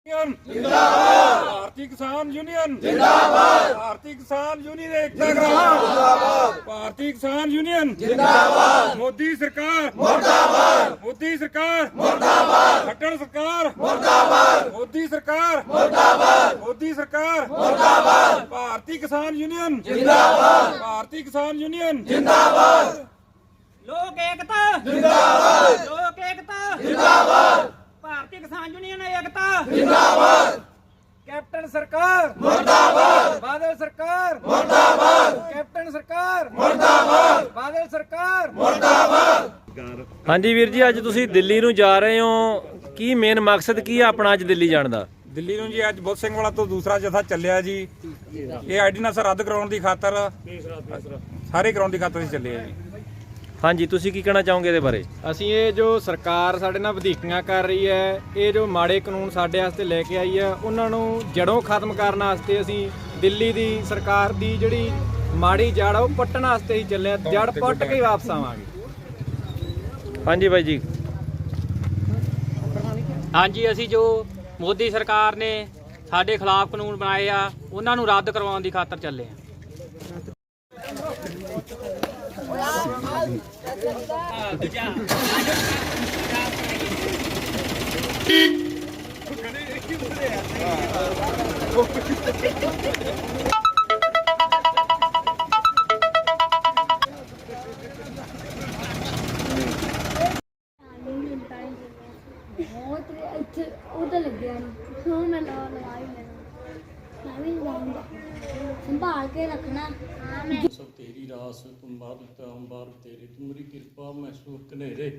जिंदाबाद। भारतीय किसान यूनियन जिंदाबाद। भारतीय किसान यूनियन एकता जिंदाबाद। भारतीय किसान यूनियन जिंदाबाद। मोदी सरकार मुर्दाबाद। मोदी सरकार मुर्दाबाद। खट्टर सरकार मुर्दाबाद। मोदी सरकार मुर्दाबाद। मोदी सरकार मुर्दाबाद। भारतीय किसान यूनियन जिंदाबाद। भारतीय किसान यूनियन जिंदाबाद। लोक एकता जिंदाबाद। लोक एकता जिंदाबाद। भारतीय किसान यूनियन एकता जिंदाबाद। कैप्टन सरकार मुर्दाबाद। बादल सरकार मुर्दाबाद। कैप्टन सरकार मुर्दाबाद। बादल सरकार मुर्दाबाद। ਹਾਂਜੀ ਵੀਰ ਜੀ, ਅੱਜ ਤੁਸੀਂ ਦਿੱਲੀ ਨੂੰ ਜਾ ਰਹੇ ਹੋ, ਕੀ ਮੇਨ ਮਕਸਦ ਕੀ ਹੈ ਆਪਣਾ ਅੱਜ ਦਿੱਲੀ ਜਾਣ ਦਾ? ਦਿੱਲੀ ਨੂੰ ਜੀ ਅੱਜ ਬੁੱਧ ਸਿੰਘ ਵਾਲਾ ਤੋਂ ਦੂਸਰਾ ਜਥਾ ਚੱਲਿਆ ਜੀ। ਇਹ ਆਰਡੀਨੈਂਸ ਰੱਦ ਕਰਾਉਣ ਦੀ ਖਾਤਰ, ਸਾਰੇ ਕਰਾਉਣ ਦੀ ਖਾਤਰ ਹੀ ਚੱਲੇ ਆ ਜੀ। ਹਾਂਜੀ, ਤੁਸੀਂ ਕੀ ਕਹਿਣਾ ਚਾਹੋਗੇ ਇਹਦੇ ਬਾਰੇ? ਅਸੀਂ ਇਹ ਜੋ ਸਰਕਾਰ ਸਾਡੇ ਨਾਲ ਵਧੀਕੀਆਂ ਕਰ ਰਹੀ ਹੈ, ਇਹ ਜੋ ਮਾੜੇ ਕਾਨੂੰਨ ਸਾਡੇ ਵਾਸਤੇ ਲੈ ਕੇ ਆਈ ਹੈ, ਉਹਨਾਂ ਨੂੰ ਜੜੋਂ ਖਤਮ ਕਰਨ ਵਾਸਤੇ ਅਸੀਂ ਦਿੱਲੀ ਦੀ ਸਰਕਾਰ ਦੀ ਜਿਹੜੀ ਮਾੜੀ ਜੜ ਆ ਉਹ ਪੱਟਣ ਵਾਸਤੇ ਹੀ ਚੱਲੇ ਆ। ਜੜ ਪੱਟ ਕੇ ਹੀ ਵਾਪਸ ਆਵਾਂਗੇ। ਹਾਂਜੀ ਬਾਈ ਜੀ। ਹਾਂਜੀ, ਅਸੀਂ ਜੋ ਮੋਦੀ ਸਰਕਾਰ ਨੇ ਸਾਡੇ ਖਿਲਾਫ ਕਾਨੂੰਨ ਬਣਾਏ ਆ ਉਹਨਾਂ ਨੂੰ ਰੱਦ ਕਰਵਾਉਣ ਦੀ ਖਾਤਰ ਚੱਲੇ ਆ। बहुत अच्छे उधर लग गया नहीं क्यों मैं लगा ही मैं भी लगाऊंगा संभाल के रखना। हाँ मैं सब तेरी रास तुम बादता हम बार तेरे तुम्हारी कृपा मैं सुख कनेरे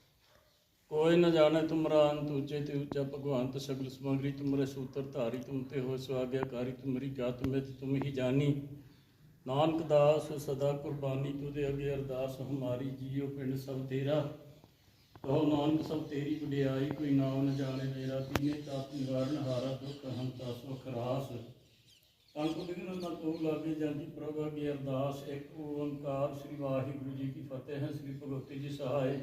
कोई न जाने तुमरा अंत ऊंचे ते ऊंचा भगवंत सगल समग्री तुमरे सूत्र धारी तुम ते हो स्वाज्ञाकारी तुम्हारी जात में तुम ही जानी नानक दास सदा कुर्बानी तुझे अगे अरदास हमारी जियो पिंड सब तेरा कहो नानक सब तेरी वडियाई कोई नाम न जाने मेरा तीने ताप निवारण हारा दुख हंता सुख रास संत विघ्न न तो लागे जाती प्रभु अगे अरदास एक ओंकार श्री वाहिगुरु जी की फतेह है। श्री भगवती जी सहाय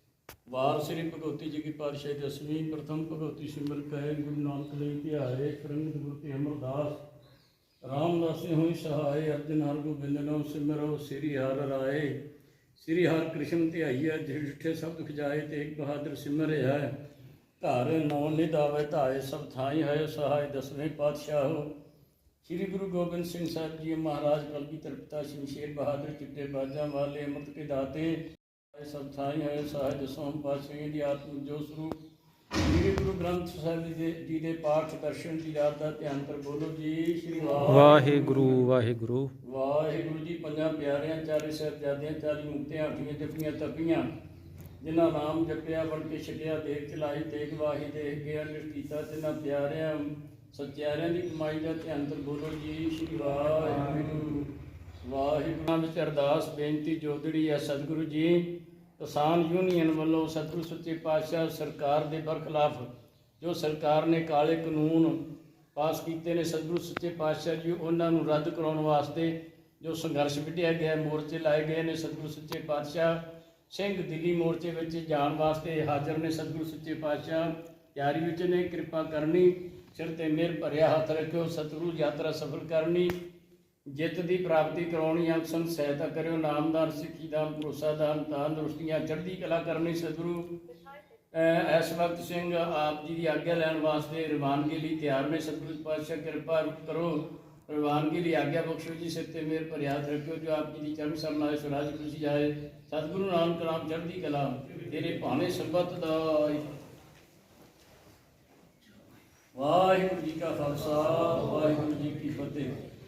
वार श्री भगवती जी की पातशाही दसवीं प्रथम भगवती सिमर कहे गुरु नानक ले ध्याए रंगत गुरु अमरदास रामदास हुई सहाय अर्जन हर गोबिंद नाम सिमरो श्री हर राय श्री हर कृष्ण ध्याइया जिठे सब दुख जाए तेग बहादुर सिमर है घर नौ निधावे धाए सब थाई है सहाय दसवें पातशाह हो। श्री गुरु गोबिंद सिंह साहब जी महाराज कलगीधर पिता शमशेर बहादुर चिट्टे बाजा वाले अमृत के दाते सब थाई है सहाय दसवें पातशाह दी आत्म जो स्वरूप श्री गुरु ग्रंथ साहिब जी दे पाठ दर्शन की याद का ध्यान कर बोलो जी श्री ਵਾਹਿਗੁਰੂ ਵਾਹਿਗੁਰੂ वाहिगुरु जी पंजा प्यारियां चारे साहिबजादियां 40 मुक्तियां 8 जपियां तपियां जिन्हां नाम जपिया बन के छकिया देख चलाई देख वाही देख गया निष्ठीता जिन्हां प्यारियां सत्यारियां की कमाई का ध्यान कर बोलो जी श्री वाहिगुरू वाहिगुरू विच अरदास बेनती जोदड़ी है सतगुरु जी किसान यूनियन वालों सतगुरु सच्चे पातशाह सरकार के बरखिलाफ जो सरकार ने काले कानून पास किए ने सतगुरु सच्चे पातशाह जी उन्होंने रद्द कराने वास्ते जो संघर्ष विढ़िया गया मोर्चे लाए गए ने सतगुरु सच्चे पातशाह सिंह दिल्ली मोर्चे में जाने वास्ते हाजिर ने। सतगुरु सच्चे पातशाह तैयारी विच ने कृपा करनी सिर ते मेहर भरिया हाथ रखियो सतगुरु यात्रा सफल करनी जित की प्राप्ति करवानी अंग संग सहायता करो नामदान सिक्खी दान भरोसा दान तंदुरुस्तियाँ चढ़ती कला करनी। सतगुरु इस वक्त सिंह आप जी की आज्ञा लैन वास्ते रवानगी लिए तैयार ने। सतगुरु पातशाह कृपा करो रवानगी लिए आज्ञा बख्शो जी सिर ते मेहर भर हाथ रखियो जो आप जी की चरण सरनाए स्वराज खुशी जाए सतगुरु नानक नाम चढ़ती कला तेरे भाने संबत दा। वाहिगुरू जी का खालसा वाहिगुरू जी की फतेह।